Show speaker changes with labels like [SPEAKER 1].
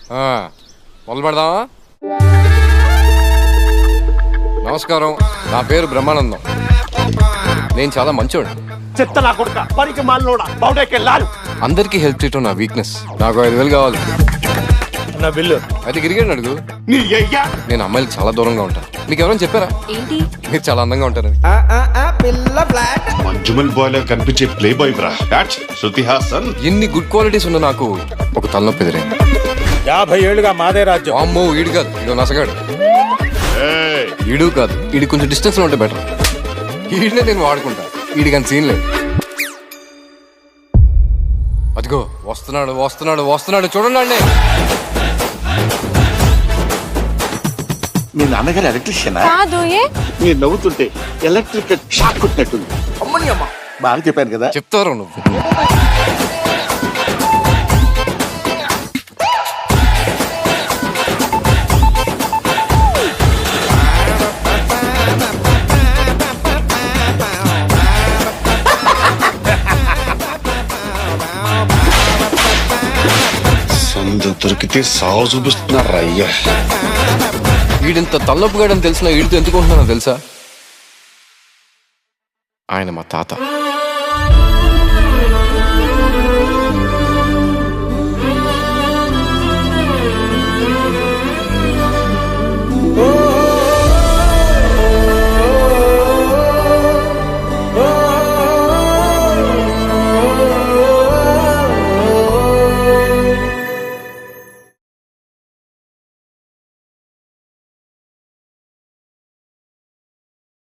[SPEAKER 1] మొదలు పెడదామా? నమస్కారం, నా పేరు బ్రహ్మానందం. నేను చాలా మంచోడు.
[SPEAKER 2] చెత్త నా కొడుక, పనికి మాలినోడా, బౌడెకెళ్ళాలి.
[SPEAKER 1] అందరికీ హెల్ప్ చేయటం నా వీక్నెస్. నాకు 5,000 కావాలి.
[SPEAKER 2] నా బిల్లు
[SPEAKER 1] అయితే గిరిగాడు అడుగు.
[SPEAKER 2] నీ అయ్యా,
[SPEAKER 1] నేను అమ్మాయిలు చాలా దూరంగా ఉంటాను. మీకు ఎవరైనా చెప్పారా
[SPEAKER 3] ఏంటి?
[SPEAKER 1] మీరు చాలా అందంగా ఉంటారని.
[SPEAKER 4] మంజుమల్ బాయ్ లా కనిపించే ప్లే బాయ్ బ్రా. శృతి హాసన్.
[SPEAKER 1] ఎన్ని గుడ్ క్వాలిటీస్ ఉన్న నాకు ఒక తలనొప్పి ఎదురైంది.
[SPEAKER 2] 50 ఏళ్ళుగా మాదే రాజ్యం.
[SPEAKER 1] అమ్మో, ఈడు కాదు, ఇదో నసగాడు. ఈడు కాదు, ఈడు కొంచెం డిస్టెన్స్ లో ఉంటే బెటర్. ఈడినే నేను వాడుకుంటా, ఈడికి అంత సీన్ లేదు. అదిగో వస్తున్నాడు వస్తున్నాడు వస్తున్నాడు, చూడండి.
[SPEAKER 5] మీ నాన్నగారు ఎలక్ట్రీషియనా?
[SPEAKER 3] కాదు.
[SPEAKER 5] మీరు నవ్వుతుంటే ఎలక్ట్రిక్ షాక్ కొట్టినట్టుంది. అమ్మని అమ్మ, బాగా చెప్పాను కదా.
[SPEAKER 1] చెప్తారు నువ్వు.
[SPEAKER 4] సందు దొరికితే సాగు చూపిస్తున్నారు అయ్యా.
[SPEAKER 1] వీడింత తలనొప్పిగాడని తెలిసిన వీడితో ఎందుకుంటున్నానో తెలుసా? ఆయన మా తాత.